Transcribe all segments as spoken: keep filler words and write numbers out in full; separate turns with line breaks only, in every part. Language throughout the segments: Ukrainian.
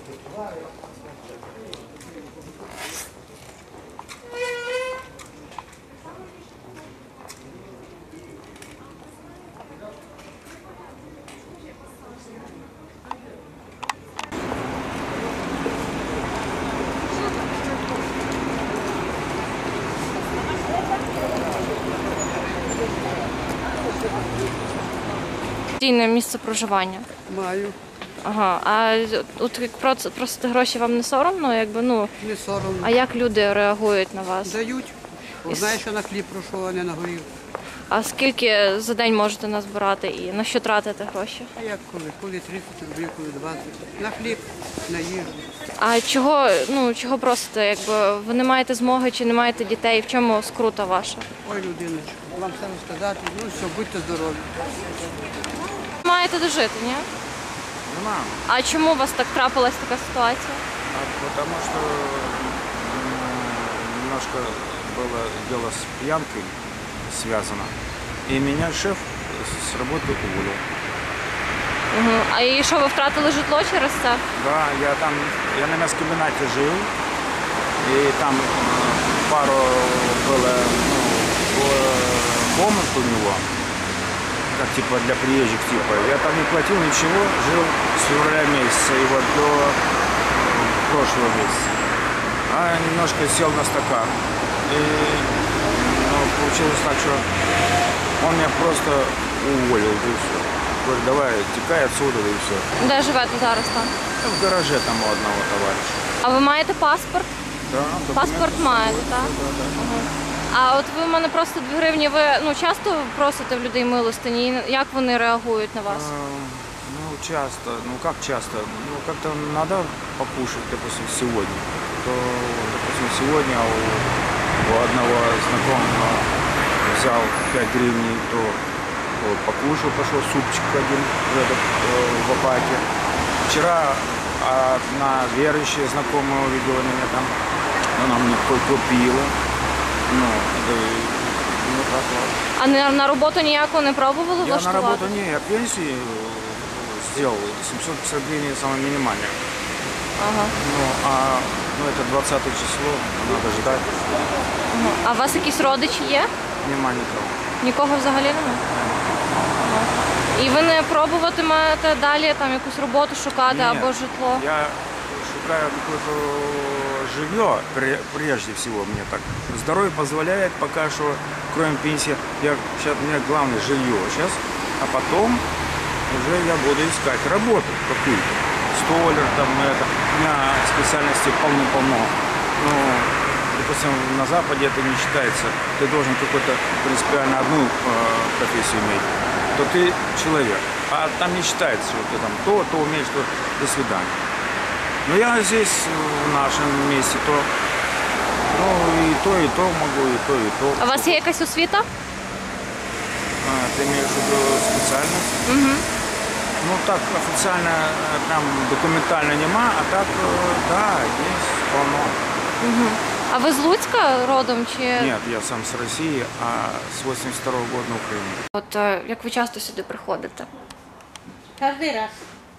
Постійне місце проживання?
Маю.
Ага. А от як просити гроші вам не соромно? Якби, ну,
Не соромно.
а як люди реагують на вас?
Дають. Знаєш, що на хліб пройшов, а не на горів.
А скільки за день можете назбирати і на що тратите гроші?
А як коли? Коли тридцять рублів, коли двадцять. На хліб, на їжу.
А чого, ну, чого просите? Якби ви не маєте змоги чи не маєте дітей? В чому скрута ваша?
Ой, людиночка, вам все розказати. Ну все, будьте здорові.
Маєте дожити, ні?
Нема.
А чому у вас так трапилась така ситуація?
А потому что м, немножко было дело с пьянкой связано. И меня шеф с работы уволил.
Угу. А і що, ви втратили житло через це?
Да, я там, я на мясокомбинате жил. И там э, пару было, ну, э, комнат у него. Как типа для приезжих типа. Я там не платил ничего, жил с февраля месяца и вот до прошлого месяца. А немножко сел на стакан. И ну, получилось так, что он меня просто уволил, и все. Говорит, давай, текай отсюда, и все.
Де живете зараз там?
В гараже там у одного товарища.
А ви маєте паспорт?
Да, документы.
Паспорт маєте, так?
Да, да, да.
А от ви в мене просто дві гривні, ви ну, часто просите в людей милостині? І як вони реагують на вас?
А, Ну, часто. Ну, как часто? Ну, как-то надо покушать, допустим, сегодня. То, допустим, сегодня у, у одного знакомого взял пять гривен, то вот, покушал, пошел супчик один в, этот, э, в апате. Вчера одна верующая знакомая увидела меня там, она мне купила. Ну, да, ну, так вот.
А на, на роботу ніяку не пробували
Я на
влаштувати?
работу не, я пенсию сделал, семьсот пятьдесят гривен самое минимальное.
Ага.
Ну, а ну, это двадцатое число, надо ждать.
Ага. А у вас якісь родичі є?
Нема никого.
Нікого взагалі немає? Ага. І ви не пробуватимете далі там якусь роботу шукати
Нет,
або житло?
Я шукаю какое-то жилье, пре- прежде всего мне так. Здоровье позволяет пока что, кроме пенсии, я, сейчас у меня главное жилье сейчас, а потом уже я буду искать работу какую-то. Столяр там, это. У меня специальностей полно-полно. Но, допустим, на Западе это не считается. Ты должен какую-то принципиально одну э, профессию иметь, то ты человек. А там не считается, что ты там то, то умеешь, то до свидания. Но я здесь, в нашем месте, то ну, и то, и то могу, и то, и то.
А у вас є якась освіта?
А, ты имеешь в виду специальность?
Угу.
Ну так официально э, там документально нема, а так э, да, есть полно.
Угу. А ви з Луцька родом чи?
Нет, я сам с России, а с восемьдесят второго года на Украине.
От е, як ви часто сюди приходите?
Кожен раз.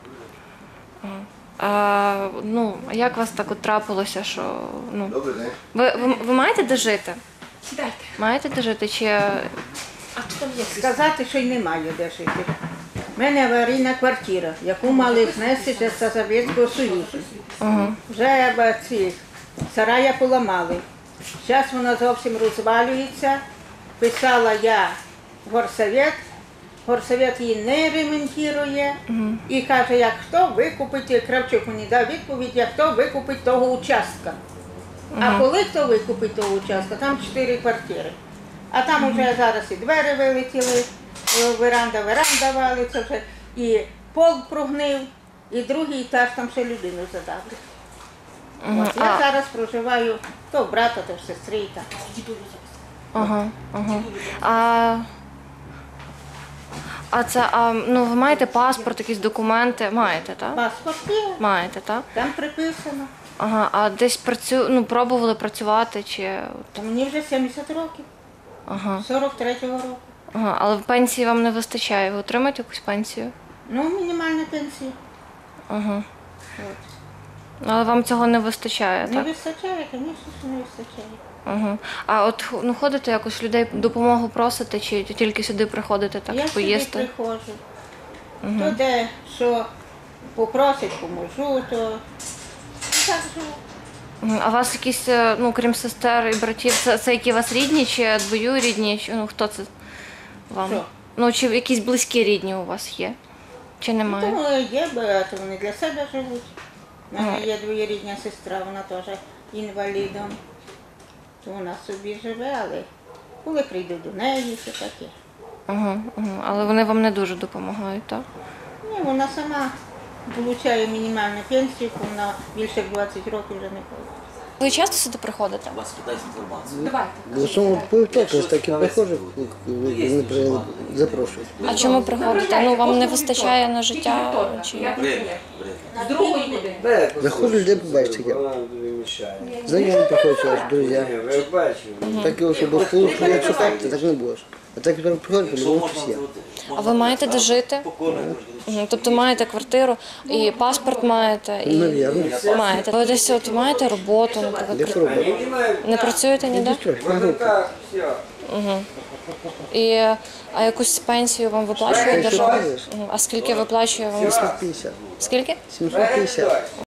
А, ну, а як у вас так от трапилося, що ну ви, ви, ви маєте де жити?
Сідайте.
Маєте де жити чи
А хто там є? Сказати, що й немає де жити. У мене аварійна квартира, яку мали знести ще з Совєтського Союзу.
Ага.
Вже б, ці сарая поламали. Зараз вона зовсім розвалюється. Писала я в горсовет. Горсовет її не ремонтує. Uh-huh. І каже, як хто викупить, Кравчук мені дав відповідь, як хто викупить того участка. Uh-huh. А коли хто викупить того участка, там чотири квартири. А там uh-huh. вже зараз і двері вилетіли, веранда, веранда валиться вже, і пол прогнив, і другий етаж там ще людину задавлять. Uh-huh. От, я а... зараз проживаю то в брата, то в сестри. Так.
Ага, ага. А... А це, а, ну, ви маєте паспорт, якісь документи? Маєте, так?
Паспорт є.
Маєте, так?
Там приписано.
Ага, а десь працю... ну, пробували працювати чи...
Та мені вже сімдесят років.
Ага.
сорок третього року.
Ага, але пенсії вам не вистачає. Ви отримаєте якусь пенсію?
Ну, мінімальна пенсія.
Ага.
От.
Але вам цього не вистачає,
Не
так?
вистачає, звісно, що не вистачає.
Угу. А от ну, ходите якось людей допомогу просите, чи тільки сюди приходите так
Я
поїсти?
сюди приходжу. То де, що попросить, поможу, то так живу.
Мгм. А у вас якісь, е, ну, крім сестер і братів, це, це які у вас рідні чи двоюрідні? Чи, ну, хто це вам?
Що?
Ну, чи якісь близькі рідні у вас є? Чи немає?
Тому є багато, вони для себе живуть. У мене є двоєрідня сестра, вона теж інвалідом. То вона собі живе, але коли прийду до неї, то таке.
Угу, угу. Але вони вам не дуже допомагають, так?
Ні, вона сама отримує мінімальну пенсію, бо вона більше двадцять років вже не ходить.
Ви часто сюди приходите?
Вас питають інформацію.
В основному по вівторках так і приходжу, вони при- запрошують.
А чому приходите? Ну, вам не вистачає на життя? Чи...
Бред, бред.
Заходжу, людей побачити як. Знайомі приходять, ваші друзі. Так його, щоб було, якщо так, то так не будеш. А так, як приходять,
Що
по-любому
можна
щось є.
зробити?
А ви маєте де жити?
Покорно.
Мгм. Тобто маєте квартиру і паспорт маєте? І...
Навірно.
Маєте. Ви десь от маєте роботу, наприклад?
Де що робити?
Не працюєте ніде?
Трохи, на групі.
І, а якусь пенсію вам виплачує держава? Мгм. А скільки виплачує вам?
сімсот п'ятдесят.
Скільки?
сімсот п'ятдесят.